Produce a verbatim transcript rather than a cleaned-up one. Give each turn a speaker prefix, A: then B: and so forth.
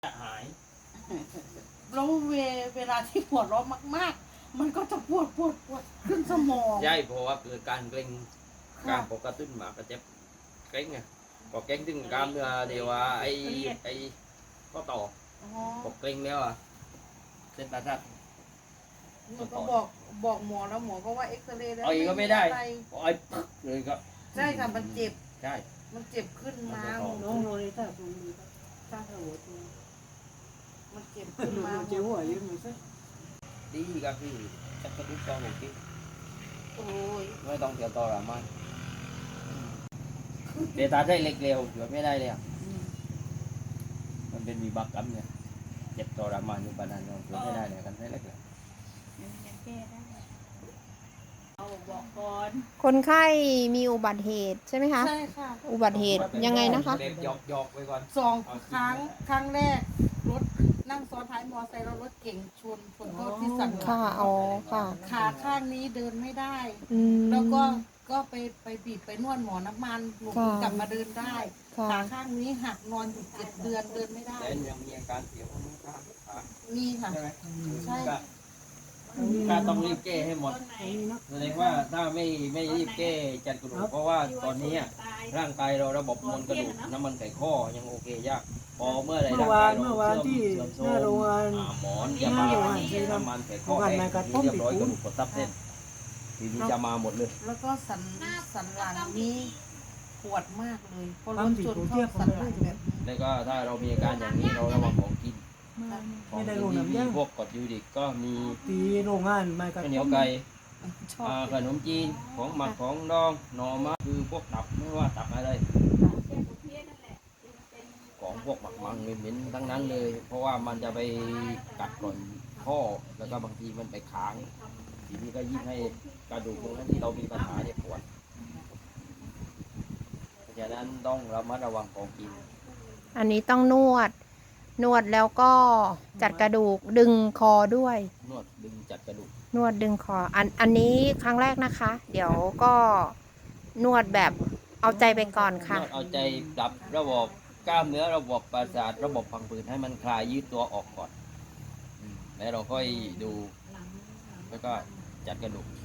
A: จะหาย
B: แล้วเวเวลาที่ปวดร้อนมากๆ มันก็จะปวดปวดปวดขึ้นสมอง
A: ใช่เพราะว่าเกิดการเกร็งการปกติมากระเจ็บเกร็งไงพอเกร็งถึงกล้ามเนื้อเดี๋ยวว่าไอ้ไอ้ก็ต่อ
B: อ๋อ
A: พอเกร็งแล้วอ่ะเส้นประสาท
B: หนูก็บอกบอกหมอแล้วหมอก็ว่าเอ็กซเรย์แล้ว
A: เอาอีกก็ไม่ได้
B: อะร
A: พอไอ้ปึ๊กเลยก็
B: ใช่ค่ะมันเจ็บ
A: ใช่
B: มันเจ็บขึ้นมา
A: มันจะต่อ
B: น้องโรยถ้าตรงนี้ถ้าหัวตัวมันเจ็บขึ้นมาเจ็บหัวยืนมือซะ
A: ดีก็คือจะกระตุ้นต่อหนูกิน
B: โอ้ย
A: ไม่ต้องเสียต่อหรอมันเดี๋ยวตาได้เล็กเร็วเดี๋ยวไม่ได้เลยอ่ะมันเป็นมีบักกัมเนี่ยเจ็บต่อรามันอยู่ปานนั้นเดี๋ยวไม่ได้เลยกันได้เล็กเลย
C: ยังแก้ได้เอาบอกก่อน
D: คนไข้มีอุบัติเหตุใช่ไหมคะ
B: ใช่ค่ะ
D: อุบัติเหตุยังไงนะคะ
A: เด็กหยอกหยอกไปก่อน
B: สองครั้งครั้งแรกรถนั่งซ้อนท้ายมอไซค์แล้วรถเก่งชนชนเข้าที่สันหลั
D: ค่ะ
B: ง
D: อ๋อ ค่ะ
B: ขาข้างนี้เดินไม่ได้
D: อืม
B: แล้วก็ก็ไปไปบีบไปนวดหมอน้ำมันหนู
D: ค่ะ
B: กลับมาเดินได้
D: ค่ะ
B: ขาข้างนี้หักนอนอยู่เจ็ดเดือนเดินไม่ได้
A: แต่ยังมีอาการเสียวมือข้างขา
B: มีค่ะ
A: ใช่ไหม
B: ใช่
A: ก็ก็ต้องรีบแก้ให้หมดแสดงว่าถ้าไม่ไม่รีบแก้จัดกระดูกเพราะว่าตอนนี้ร่างกายเราระบบมวลกระดูกน้ำมันไขข้อยังโอเคยากพอเมื่อไรร่างกายเราเสื่อมเสื่อมโทรมอ่าหมอนจะมาน้ำมันไขข้อแห้งนี่เรียบร้อยกระดูกกดทับเส้นทีนี้จะมาหมดเลย
B: แล้วก็สันสันหลังนี้ปวดมากเลยเพราะรถชนเข้าสันหลังแบบนี้
A: แล้วก็ถ้าเรามีอาการอย่างนี้เราระวังของกินของ
E: ไม่ได้
A: กิ
E: ล
A: น
E: ง
A: ที่
E: น้ำ
A: มี
E: ยา
A: พวกกรดยูริกก็มี
E: ตีโรงงานมากับ
A: ข้าวเหนียวไก่
B: ชอบ
A: อ่าขนมจีนของหมักของดองหน่อไม้คือพวกตับไม่ว่าตับอะไร ของพวกหมักมังเหม็นๆทั้งนั้นเลย เพราะว่ามันจะไปกัดก่อนข้อแล้วก็บางทีมันไปค้างทีนี้ก็ยิ่งให้กระดูกตรงนั้นที่เรามีปัญหาเนี่ยปวดเพราะฉะนั้นต้องระมัดระวังของกิน
D: อันนี้ต้องนวด นวดแล้วก็จัดกระดูกดึงคอด้วย
A: นวดดึงจัดกระดูก
D: นวดดึงคอ อันอันนี้ครั้งแรกนะคะ เดี๋ยวก็นวดแบบเอาใจไปก่อน
A: น
D: ค่ะ
A: วดเอาใจปรับระบบกล้ามเนื้อระบบประสาทระบบพังผืดให้มันคลายยืดตัวออกก่อนอืมแล้วเราค่อยดูแล้วก็จัดกระดูก